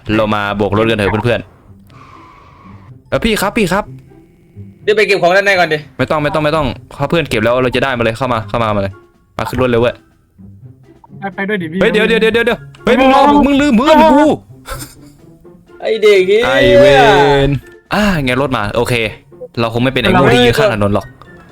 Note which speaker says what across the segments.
Speaker 1: เรามาโบกรถกันเถอะเพื่อนๆพี่ครับ
Speaker 2: เดี๋ยวไปเก็บของด้านในก่อนดิ
Speaker 1: ไม่ต้องเขาเพื่อนเก็บแล้วเราจะได้มาเลยเข้ามาเลยมาขึ้นรถเลยเว้ย
Speaker 3: ไปด้วยดิพี่
Speaker 1: เฮ้ยเดี๋ยวเฮ้ยมึงลืมเพื่อนกู
Speaker 2: ไอเด็กนี่
Speaker 1: ไอเวนไงรถมาโอเคเราคงไม่เป็นไอ้งูที่ยืนข้างถนนหรอก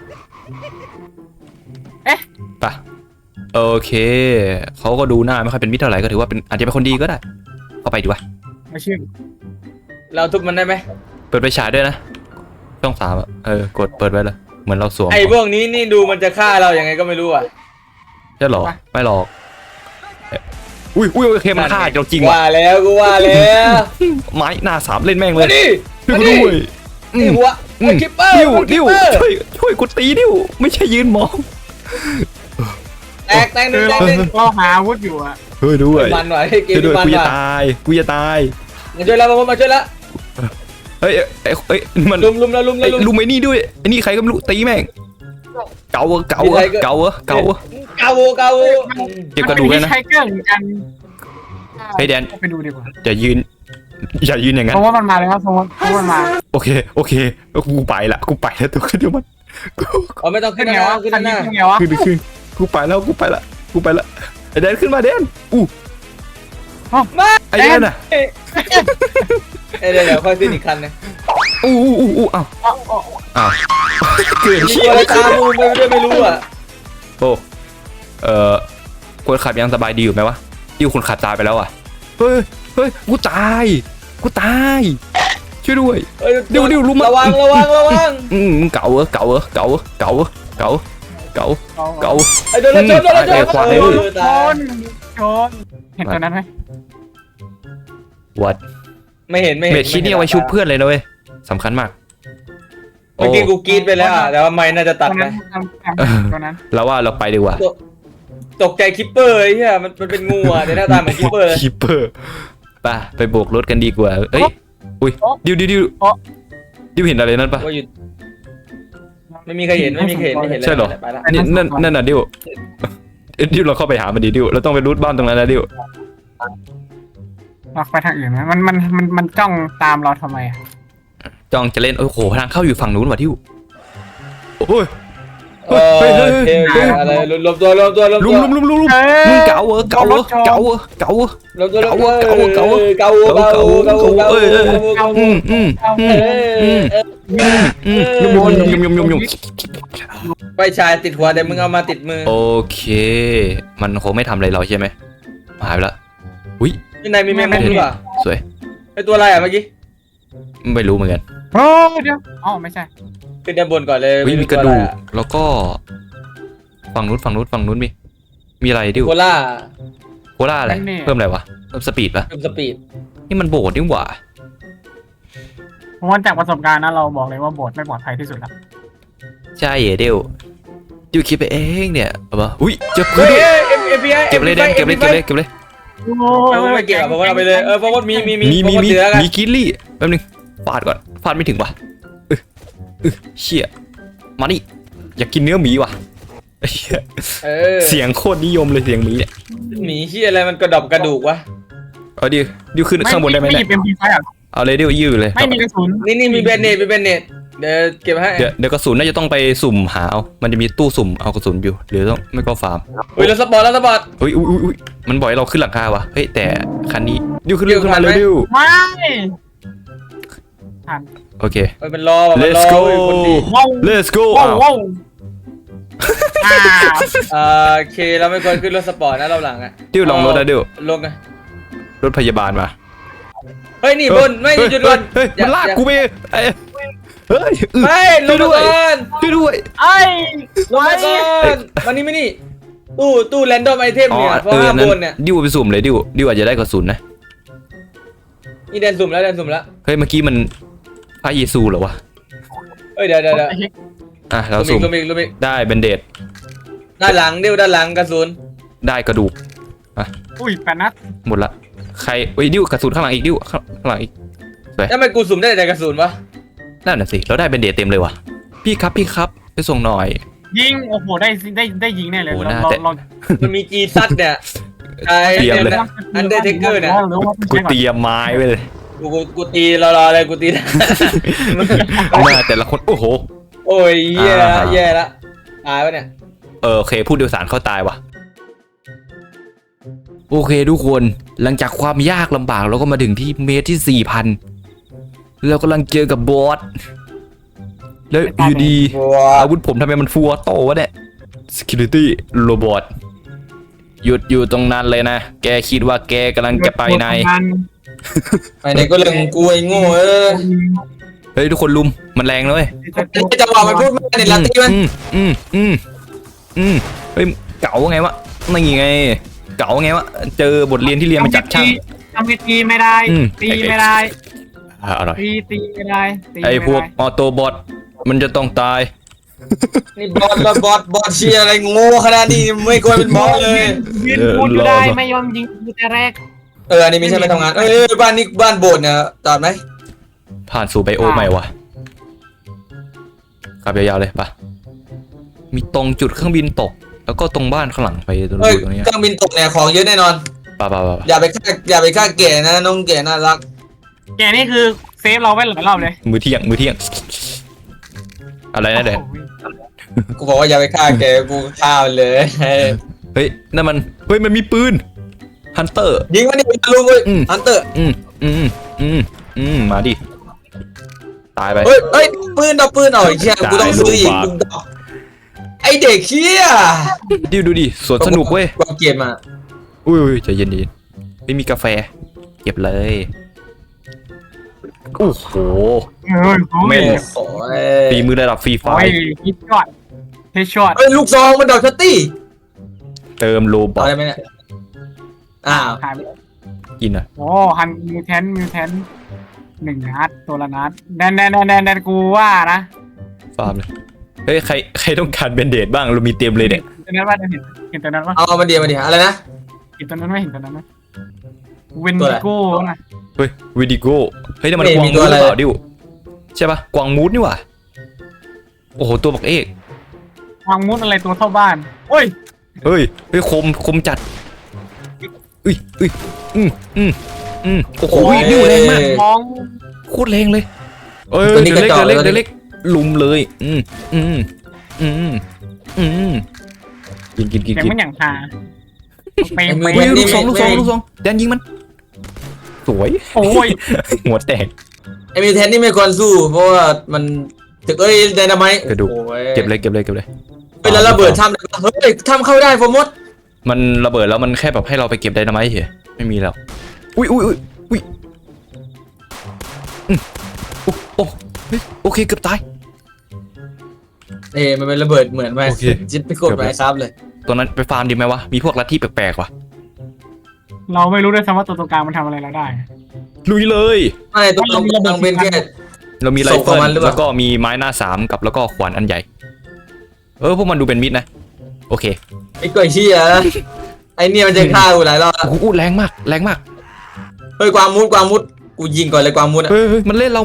Speaker 1: ไปโอเคเขาก็ดูหน้าไม่ค่อยเป็นมิตรเท่าไหร่ก็ถือว่าเป็นอาจจะเป็นคนดีก็ได้เข้าไปดีวะ
Speaker 3: ไม่เชื่อ
Speaker 2: เราทุบมันได้ไหม
Speaker 1: เปิดไฟฉายด้วยนะช่อง3กดเปิดไว้เลยเหมือนเราสวม
Speaker 2: ไอพวกนี้นี่ดูมันจะฆ่าเราอย่างไงก็ไม่รู้อ่ะ
Speaker 1: ใช่หรอไม่หรอกอุ้ยโอเคมันฆ่าเราจริง
Speaker 2: ว่ะว่าแล้ว
Speaker 1: ไม้หน้า3เล่นแม่งเลย
Speaker 2: มาดินี่หัวคิปเปอร์
Speaker 1: ดิวช่วยกูตีดิวไม่ใช่ยืนมอง
Speaker 2: แตกหนึ่ง
Speaker 3: เราหาอาวุธอยู่อะ
Speaker 1: เฮ้ยด้วย
Speaker 2: มันหน่อยเกม
Speaker 1: มัน
Speaker 2: กู
Speaker 1: จะตาย
Speaker 2: มาช่วยแล้วมาช่วยแล้ว
Speaker 1: เฮ้ยมัน
Speaker 2: ลุม
Speaker 1: ไอ้นี่ด้วยไอ้นี่ใครก็ไม่รู้ตีแม่งเก่าเก็บกระดูกเลยนะ
Speaker 3: ใช้เกลือเหมือนกัน
Speaker 1: เฮ้ยแดน
Speaker 3: ไปดูดีกว่า
Speaker 1: อย่ายืนอย่างนั้น
Speaker 3: เพราะว่ามันมาเลยครับเพราะว่ามันมา
Speaker 1: โอเคกูไปละตัวขึ้นเดี๋ยวมัน
Speaker 2: ไม่ต้องขึ้นไงวะขึ้นหน้า
Speaker 1: ขึ้นกูไปละไอ้แดนขึ้นมาแดน
Speaker 2: มา
Speaker 1: ไอ้แดนอ่ะ
Speaker 2: เดี๋ยวค่อยขึ้นอีกคันนึง
Speaker 1: อ้าวเกิด
Speaker 2: เชี่ยตามูไม่รู้อ่ะ
Speaker 1: คนขับยังสบายดีอยู่ไหมวะที่คนขับตายไปแล้วอ่ะเฮ้ยกูตายช่วยด้วยเดี๋ยวลุม
Speaker 2: ระวัง
Speaker 1: มึงเก่า
Speaker 2: ไอ้โดนชน
Speaker 3: เห็นตัวนั้นไหม
Speaker 1: วัด
Speaker 2: ไม่เห็น
Speaker 1: เม็ดชิ้นนี้เอาไว้ชุบเพื่อนเลยนะเว้ยสำคัญมาก
Speaker 2: เมื่อกี้กูกรีดไปแล้วแต่ว่าไม่น่าจะตัดไหม
Speaker 3: ตัวนั้น
Speaker 1: เราว่าเราไปดีกว่า
Speaker 2: ตกใจคิปเปอร์ไอ้เหี้ยมันเป็นงูอ่ะในหน้าตาเหมือนคิปเปอร์
Speaker 1: ไปโบกรถกันดีกว่าเอ้ยอุ้ยดิวเห็นอะไรนั่นปะ
Speaker 2: ไม่มีใครเห็น
Speaker 1: ใช่หรอนั่นน่ะดิวเราเข้าไปหามันดิวเราต้องไปรูทบ้านตรงนั้นนะดิว
Speaker 3: เราไปทางอื่นไหมมันจ้องตามเราทำไม
Speaker 1: จ้องจะเล่นโอ้โหทางเข้าอยู่ฝั่งนู้นว่ะดิวโอ้ย
Speaker 2: อะไรรวมตัว
Speaker 1: ลุมมึงเก่า
Speaker 2: ไปชายติดหัวแต่มึงเอามาติดมือ
Speaker 1: โอเคมันคงไม่ทำอะไรเราใช่ไหมหายไปแล้วอุ้ย
Speaker 2: ที่ไหนมีแมงมุมหรือเปล่า
Speaker 1: สวย
Speaker 2: ไอตัวอะไรเมื่อกี้
Speaker 1: ไม่รู้เหมือนกัน
Speaker 3: เดี๋ยวไม่ใช่
Speaker 2: ขึ้นด้านบนก่อนเลย
Speaker 1: มีกระดูกแล้วก็ฝั่งนู้นมีอะไรดิวโคล่าอะไรเพิ่มอะไรวะเพิ่มสปีดปะนี่มันโบดนี่หว่า
Speaker 3: เพราะว่าจากประสบการณ์นะเราบอกเลยว่าโบดไม่ปลอดภัยที่สุดแล้ว
Speaker 1: ใช่เดี๋ยวคิดไปเองเนี่ยป่ะอุ้ยเจ็บพื้นเก็บเลยเก็บเลย
Speaker 2: ไม่เก็บเพราะว่าเอาไปเลยเพราะว่ามี
Speaker 1: กิลลี่แป๊บนึงฟาดไม่ถึงว่ะเชี่ยมานี่อยากกินเนื้อหมีว่ะเสียงโคตรนิยมเลยเสียงหมีเนี่ย
Speaker 2: หมีเชี่ยอะไรมันกระดอบกระดูกวะ
Speaker 1: เอาดิวขึ้นข้างบนได้ไหมเนี่ยเอาเลยดิวยืดเลย
Speaker 3: ไม่มีกระสุน
Speaker 2: นี่มีแบนเนตเดี๋ยวเก็บให้
Speaker 1: เดี๋ยวกระสุนน่าจะต้องไปสุ่มหาเอามันจะมีตู้สุ่มเอากระสุนอยู่หรือต้องไม่ก็ฟาร์ม
Speaker 2: แล้วสปอร์ต
Speaker 1: อุ้ยมันบ่อยเราขึ้นหลังคาวะเฮ้ยแต่คันนี้ดิวขึ้นมาเลยดิว
Speaker 3: ไม่
Speaker 1: โอเค
Speaker 2: เป็นรอ
Speaker 1: let's go
Speaker 2: โอเคเราไม่ควรขึ้นรถสปอร์ตนะเราหลัง
Speaker 1: ดิวลองรถนะดิว
Speaker 2: ลงไง
Speaker 1: รถพยาบาลมา
Speaker 2: เฮ้ยนี่บนไม่หยุดก่อน
Speaker 1: มันลากกูไปเฮ้ย
Speaker 2: ไม่ลงก่อน
Speaker 1: ช่วยด้วย
Speaker 2: ลงก่อนวันนี้ไม่นี่ตู้แรนดอมไอเทมเนี่ยเพราะว่าบนเนี่ย
Speaker 1: ดิวไปสุ่มเลยดิวอาจจะได้กระสุนนะ
Speaker 2: นี่แดนสุ่มแล้ว
Speaker 1: เฮ้ยเมื่อกี้มันพระเยซูเหรอวะ
Speaker 2: เดี๋ยว
Speaker 1: เราสุ่มได้เบนเดด
Speaker 2: ด้านหลังกระสุน
Speaker 1: ได้กระดูก
Speaker 3: อุ้ย8 นัด
Speaker 1: หมดละใครดิวกระสุนข้างหลังอีกดิวข้างหลังอีก
Speaker 2: ทำไมกูสุ่มได้แต่กระสุนวะ
Speaker 1: นั่นน่ะสิเราได้เบนเดดเต็มเลยวะพี่ครับไปส่งหน่อย
Speaker 3: ยิงโอ้โหได้ยิงแน่เลย
Speaker 1: เรา
Speaker 2: มันมีจีซัดเนี่ยใช่
Speaker 1: เตรียมเลย
Speaker 2: อันเดอร์เทคเกอร์เนี่ย
Speaker 3: หรือว่า
Speaker 1: กูเตรียมไม้ไว้เลย
Speaker 2: กูตีรอเลยกูตี
Speaker 1: หน้าแต่ละคนโอ้โห
Speaker 2: โอ้ยแย่ละตายวะเนี่ย
Speaker 1: โอเคผู้โดยสารเข้าตายว่ะโอเคทุกคนหลังจากความยากลำบากเราก็มาถึงที่เมตรที่ 4,000เรากำลังเจอกับบอสแล้วอยู่ดีอาวุธผมทำไมมันฟัวโตวะเนี่ย security robot หยุดอยู่ตรงนั้นเลยนะแกคิดว่าแกกำลังจะไปไหน
Speaker 2: ไปไหนก็เรื่องของกูไอ้โง่
Speaker 1: เฮ้ยทุกคนลุมมันแรงเลย
Speaker 2: จังหวะมันพูดมาเนี่ยลาตีมัน
Speaker 1: เฮ้ยเก๋าไงวะนี่ไงเก๋าไงวะเจอบทเรียนที่เรียนมาจากช่าง
Speaker 3: ทำตีไม่ได้ตีไม่ได้
Speaker 1: อร่อย
Speaker 3: ตีไม่ได้
Speaker 1: ไอ้พวกออโตบอทมันจะต้องตาย
Speaker 2: นี่บอสเชียอะไรโง่ขนาดนี้ไม่ควรเป็นบอสเลย
Speaker 3: ยืนพูดอยู่ได้ไม่ยอมยิงกูแต่แรก
Speaker 2: อันนี้ไม่ใช่ไปทำงานบ้านนี้บ้านโบสถ์เนี่ยจอดไหม
Speaker 1: ผ่านสู่ไบโอใหม่วะขับยาวๆเลยปะมีตรงจุดเครื่องบินตก แล้วก็ตรงบ้านข้างหลังไปตรงนี้
Speaker 2: เครื่องบินตกเนี่ยของเยอะแน่นอน
Speaker 1: ปะ
Speaker 2: อย่าไปฆ่าแก่นะน้องแก่น่ารัก
Speaker 3: แกนี่คือเซฟเราไว้หลายรอบเลย
Speaker 1: มือเที่ยงอะไรนะเด็ก
Speaker 2: กูบอกว่าอย่าไปฆ่าแกกูฆ่ามันเลย
Speaker 1: เฮ้ยนั่นมันเฮ้ยมันมีปืนฮันเตอร์
Speaker 2: ยิงมันนี่ลุงเว้ยฮันเตอร์
Speaker 1: มาดิตายไป
Speaker 2: เฮ้ยปืนเอาไอ้เชี่ยกูต้องซื้ออีกไอเด็กเชี่ย
Speaker 1: ดูดิสวนสนุกเว้ย
Speaker 2: กูเก็บมา
Speaker 1: อุ้ยใจเย็นดีไม่มีกาแฟเก็บเลยโอ้โหเม่นฝีมือระดับฟรีไฟ
Speaker 3: ฮิตช็อต
Speaker 2: ลูกซองมันดอกชัตตี้
Speaker 1: เติมโลบอท
Speaker 2: อะไรไหมเนี่ยอ้าว
Speaker 1: กินอ่ะ
Speaker 3: โอ้ฮันมิวแทน1 นัดตัวละนัดแดนกูว่านะ
Speaker 1: ฟาร์มเลยเฮ้ยใครต้องการเบนเดดบ้างเรามีเต็มเลยเนี่ย
Speaker 3: ตัวนั้นว่าเห็นตัวนั้นว่า
Speaker 2: เอามาเดียวอะไรนะ
Speaker 3: เห็นตัวนั้นไม่เห็นตัวนั้นนะเวนดิโก้นะ
Speaker 1: เฮ้ยวิดิโก้เฮ้ยนี่มันกวางมูดหรือเปล่าดิวใช่ปะกวางมูดนี่หว่าโอ้โหตัวบักเอก
Speaker 3: วางมุดอะไรตัวเท่าบ้านเฮ้ย
Speaker 1: คมจัดโอ้โหดิวแรงมาก
Speaker 3: มอง
Speaker 1: โคตรแรงเลยเดี๋ยวเล็กลุมเลยกิน
Speaker 3: แต่มันอย่างฮาไป
Speaker 1: ลูกซองแดนยิงมันสวย
Speaker 3: โอ้ย
Speaker 1: หัวแตก
Speaker 2: ไอมีแทนนี่ไม่ควรสู้เพราะว่ามันถึกไดนาไมต์
Speaker 1: กระดูกเก็บเลย
Speaker 2: เวลาระเบิดทำทำเข้าได้โฟมด
Speaker 1: มันระเบิดแล้วมันแค่แบบให้เราไปเก็บไดนาไมต์เฉยไม่มีแล้วอุ้ยโอเคเกือบตาย
Speaker 2: มันเป็นระเบิดเหมือนไหมจิตไปกดไปครับเลย
Speaker 1: ตัวนั้นไปฟาร์มดีไหมวะมีพวกลัทธิแปลกๆวะ
Speaker 3: เราไม่รู้ด้วยซ้ำว่าตัวกลางมันทำอะไรเราได้
Speaker 1: ลุยเลย
Speaker 2: ไม่ตัวต้องเป็นแค่
Speaker 1: เรามีไรเฟิลแล้วก็มีไม้หน้า3กับแล้วก็ขวานอันใหญ่พวกมันดูเป็นมิตรนะโอเค
Speaker 2: ไอ้กล้วยเชี่ยไอ้เนี่ยมันจะฆ่ากูหลายรอบ
Speaker 1: โอ้โหแรงมาก
Speaker 2: เฮ้ยกวางมุดกูยิงก่อนเลยกวางมุด
Speaker 1: เฮ้ยมันเล่นเรา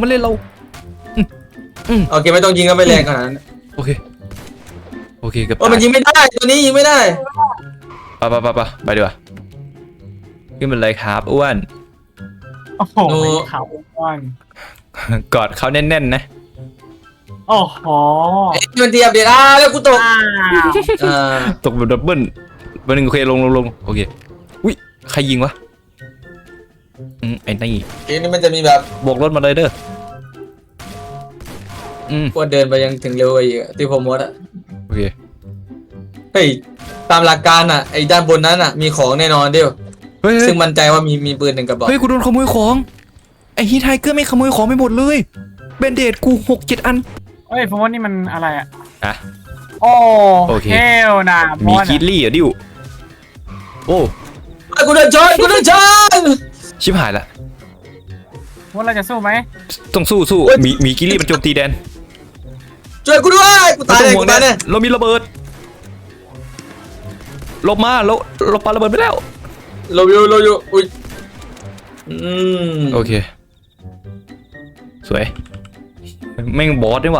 Speaker 2: โอเคไม่ต้องยิงก็ไม่แรงขนาดนั้น
Speaker 1: โอเคเกือบ
Speaker 2: มันยิงไม่ได้ตัวนี้ยิงไม่ได้
Speaker 1: ไปดีกว่าขึ้นเป็นไรครับอ้วน
Speaker 3: โอ้โหเขาอ้วน
Speaker 1: กอดเขาแน่นๆนะ
Speaker 3: โอ้โห
Speaker 2: มันเทียบเด็ดแล้วกูตก
Speaker 1: ตกแบบดับเบิ้ลวันหนึ่งโอเคลงโอเคอุ้ยใครยิงวะไอ้นี่
Speaker 2: เกมนี้มันจะมีแบบ
Speaker 1: บวกรถมาเลยเด้อ
Speaker 2: พวกเดินไปยังถึงเร็วไปอีกที่ผมว่า
Speaker 1: โอเค
Speaker 2: เฮ้ยตามหลักการไอ้ด้านบนนั้นมีของแน่นอนเดียวซึ่งมั่นใจว่ามีปืน1 กระบอก
Speaker 1: เฮ้ยกูโดนขโมยของไอ้ฮีทไทเกอร์ไม่ขโมยของไปหมดเลยเบนเดดกู 6-7 อัน
Speaker 3: เฮ้ยผมว่านี่มันอะไร
Speaker 1: อะ
Speaker 3: โอเคนะ
Speaker 1: มีคิดลี่ดิวโอ้
Speaker 2: กูโดนชน
Speaker 1: ชิบหายละ
Speaker 3: ว่าเราจะสู้ไหม
Speaker 1: ต้องสู้มีคิดลี่มันโจมตีแดน
Speaker 2: ช่วยกูด้วยกูตายเลย
Speaker 1: เรามีระเบิดลบมาเราปาระเบิดไปแล้ว
Speaker 2: เราอยู่อุ้ย
Speaker 1: โอเคสวยแม่งบอสด้วยว่ะ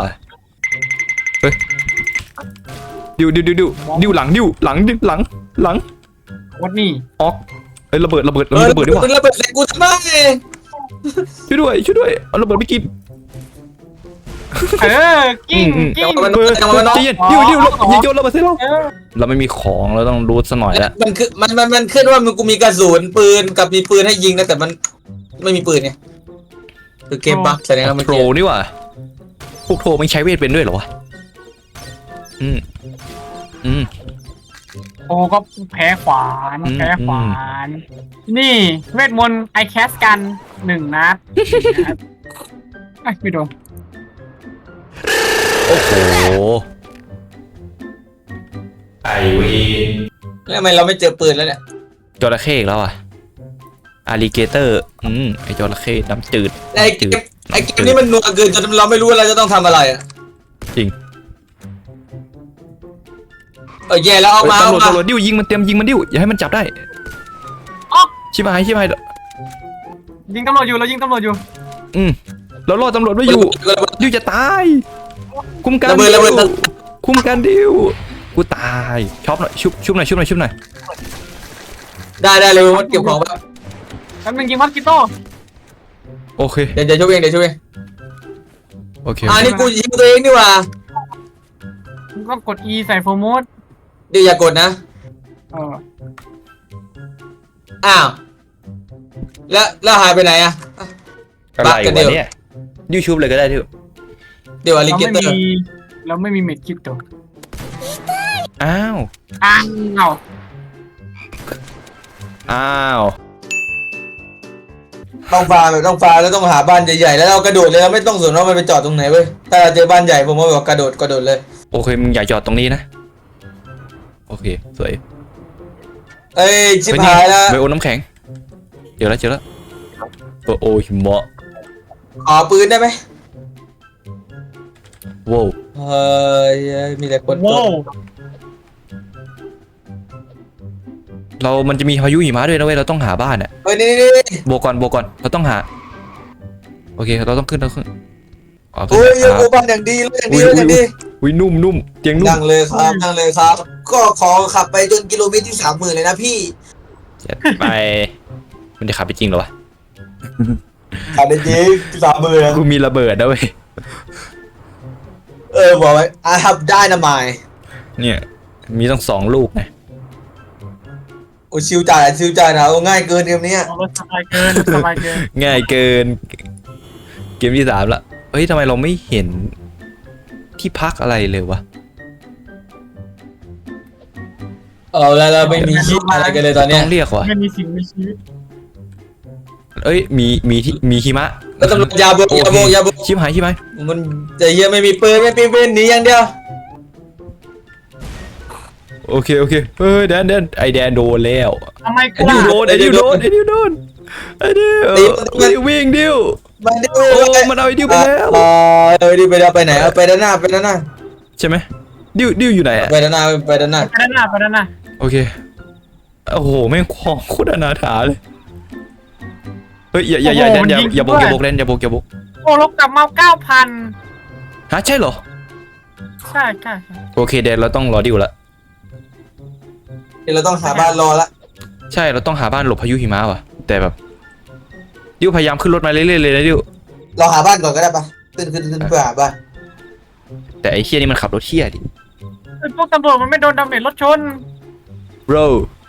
Speaker 1: เฮ้ยดิวหลัง
Speaker 3: วัดนี่
Speaker 1: ออกเอ้ยระเบิดดีกว่า
Speaker 2: ระเบิดใส่กูทำไม
Speaker 1: ช่วยด้วยเอาระเบิดไปกิน
Speaker 3: กิ้ง
Speaker 1: ใจเย็นดิวอย่าโยนระเบิดใส่เราเราไม่มีของเราต้องรูทซะหน่อยละ
Speaker 2: มันคือมันขึ้นว่ามึงกูมีกระสุนปืนกับมีปืนให้ยิงนะแต่มันไม่มีปืนไงคือเกมบั๊กแสดงว่ามัน
Speaker 1: โทรนี่หว่าพวกโทรมันใช้เวทเป็นด้วยเหรอวะอืม
Speaker 3: โอ้ก็แพ้ขวาน นี่เวทมนต์ไอแคสกัน1 นัดไม่โดน
Speaker 1: โอ้โหไอวีน
Speaker 2: แล้วทำไมเราไม่เจอปืนแล้วเนี่ย
Speaker 1: จระเข้อีกแล้วอ่ะอาลิเกเตอร์ไอจระเข้น้ำจืด
Speaker 2: ไอ้เกมนี้มันนัวเกินจนเราไม่รู้ว่าเราจะต้องทำอะไรอ่ะ
Speaker 1: จริง
Speaker 2: แย่แล้วเอามา
Speaker 1: ตำรวจดิวยิงมันยิงมันดิวอย่าให้มันจับได้ชิบหาย
Speaker 3: ยิงตำรวจอยู่เรายิงตำรวจอยู่
Speaker 1: เรารอตำรวจไว้อยู่ดิวจะตายคุมกัน
Speaker 2: ระเบิด
Speaker 1: คุมกันดิวกูตายช็อปหน่อยชุบหน่อย
Speaker 2: ได้เลยมันเก็บของแบบ
Speaker 3: แล้วมึงยิงมัสกิโต้
Speaker 1: โอเค
Speaker 2: เดี๋ยวช่วยเอง
Speaker 1: โอเค
Speaker 2: นี่กูยิงตัวเองนี่หว่า
Speaker 3: มึงก็กด E ใส่โฟร์มูด
Speaker 2: เดี๋ยวอย่ากดนะอ้าวแล้วหายไปไหนอ่ะ
Speaker 1: อะไรวะเนี่ยดิวชุบเลยก็ได้ดิว
Speaker 2: เดี๋ยวอลิเกเตอร์
Speaker 3: เราไม่มีเม็ดคริปโต
Speaker 1: อ้าว
Speaker 2: ต้องฟาร์มแล้วต้องหาบ้านใหญ่ๆแล้วเรากระโดดเลยเราไม่ต้องสนว่ามันไปจอดตรงไหนเว้ยถ้าเราเจอบ้านใหญ่ผมว่าแบบกระโดดเลย
Speaker 1: โอเคมึงอย่าจอดตรงนี้นะโอเคสวย
Speaker 2: ชิบหายแล้ว
Speaker 1: ไบโอน้ำแข็งเจอแล้วโอ้หิมะ
Speaker 2: ขอปืนได้ไหม
Speaker 1: ว้าว
Speaker 2: มีแต่คน
Speaker 3: ว้าว
Speaker 1: มันจะมีพายุหิมะด้วยนะเว้ยเราต้องหาบ้านอ่ะ
Speaker 2: นี่
Speaker 1: โบกก่อนเราต้องหาโอเคเราต้องขึ้นอ๋อ
Speaker 2: โอ้ยโอ้บ้านอย่างดีเลยอย่างดี
Speaker 1: อุ้ยนุ่มเตียงนุ่ม
Speaker 2: นั่งเลยครับก็ขอขับไปจนกิโลเมตรที่ 30,000เลยนะพี่
Speaker 1: จัดไปมันจะขับไปจริงเหรอวะ
Speaker 2: ขับได้จริง30,000
Speaker 1: กูมีระเบิดนะเว้ย
Speaker 2: บอกไว้ I have dynamite
Speaker 1: เนี่ยมีต้อง2 ลูกไง
Speaker 2: โอ้ชิวจ่ายนะโอ้ง่ายเกินเกมนี้
Speaker 3: สบายเกิน
Speaker 1: ง่ายเกินเกมที่ 3ละเฮ้ยทำไมเราไม่เห็นที่พักอะไรเลยวะ
Speaker 2: แล้วเราไม่มีคิดอะไรกันเลยตอนเนี้
Speaker 1: ต้
Speaker 2: ย
Speaker 1: องเรียกว่ะ
Speaker 3: ไม่มีสิ่งมีชีวิต
Speaker 1: เอ้ยมีหิมะ
Speaker 2: แล้วตำรวจยาโบ
Speaker 1: ชิบหาย
Speaker 2: มันจะเฮียไม่มีปืนหนีอย่างเดียว
Speaker 1: โอเคเฮ้ยแดนไอแดนโดนแล้ว
Speaker 3: ทำไมกู
Speaker 1: ไอดิวโดนไอดิววิ่งดิว
Speaker 2: มันดิว
Speaker 1: โอ้มันเอาไอดิวไปแล้ว
Speaker 2: ดิวไปแล้วไปไหนไปด้านหน้า
Speaker 1: ใช่ไหมดิวอยู่ไหนอะ
Speaker 2: ไปด้านหน้า
Speaker 3: ไปด้านหน้า
Speaker 1: โอเคโอ้โหแม่งของโคตรอนาถาเลยเฮ้ยอย่าแดนอย่าโบกแดนอย่าโบก
Speaker 3: โอ้ลบกลับมา 9,000
Speaker 1: ฮะใช่เหรอ
Speaker 3: ใช่
Speaker 1: โอเคแดนเราต้องรอดิวละ
Speaker 2: เดี๋ยวเราต้องหาบ้านรอละ
Speaker 1: ใช่เราต้องหาบ้านหลบพายุหิมะว่ะแต่แบบดิวพยายามขึ้นรถมาเรื่อยๆเลยนะดิว
Speaker 2: เราหาบ้านก่อนก็ได้ปะขึ้นเพื่อหาบ้าน
Speaker 1: แต่ไอ้เชี่ยนี่มันขับรถเชี่ยดิ
Speaker 3: พวกตำรวจมันไม่โดนดาเมจรถชน
Speaker 1: bro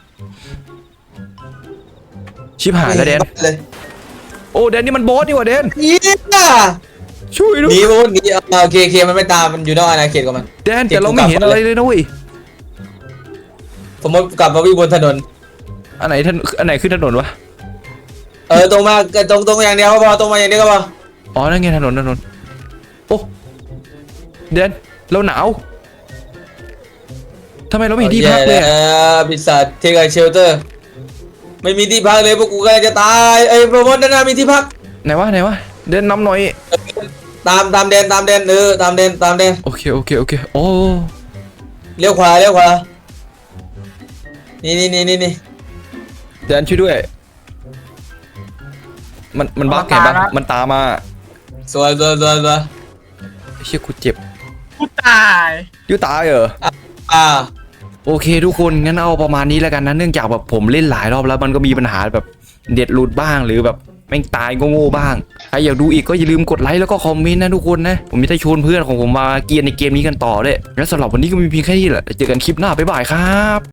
Speaker 1: ชิบหายแล้วแดน
Speaker 2: เลย
Speaker 1: โอ้แดนนี่มันบอสนี่หว่าแดน
Speaker 2: นี่น่ะ
Speaker 1: ช่วยด้วย
Speaker 2: หนีโอเคมันไม่ตามมันอยู่นอกอาณาเขตของมัน
Speaker 1: แดนแต่เราไม่เห็นอะไรเลยนะเว้ย
Speaker 2: ผมกลับมาวิ่งบนถนน
Speaker 1: อันไหนขึ้นถนนวะ
Speaker 2: ตรงมาตรงอย่างเดียวก็พอตรงมาอย่างเดียวก็พอ
Speaker 1: อ๋อนั่นไงถนนโอ้แดนเราหนาวทำไมเราไม่เห็นที่พักเลยอะ
Speaker 2: พิซซ่าเทคไอเชลเตอร์ไม่มีที่พักเลยพวกกูกำลังจะตายโปรโมทด้านหน้ามีที่พัก
Speaker 1: ไหนวะแดนนำหน่อย
Speaker 2: ตามแดนตามแดน
Speaker 1: โอเคโอ้
Speaker 2: เลี้ยวขวานี่
Speaker 1: แดนช่วยด้วยมันบั๊กไงบั๊กมันตามมา
Speaker 2: สวย
Speaker 1: เชี่ยกูเจ็บ
Speaker 3: กูตาย
Speaker 1: ยูตายเหรอ
Speaker 2: อ่า
Speaker 1: โอเคทุกคนงั้นเอาประมาณนี้แล้วกันนะเนื่องจากแบบผมเล่นหลายรอบแล้วมันก็มีปัญหาแบบเด็ดหลุดบ้างหรือแบบแม่งตายโง่ๆบ้างใครอยากดูอีกก็อย่าลืมกดไลค์แล้วก็คอมเมนต์นะทุกคนนะผมจะได้ชวนเพื่อนของผมมาเกียร์ในเกมนี้กันต่อด้วยแล้วสำหรับวันนี้ก็มีเพียงแค่นี้แหละเจอกันคลิปหน้าบ๊ายบายครับ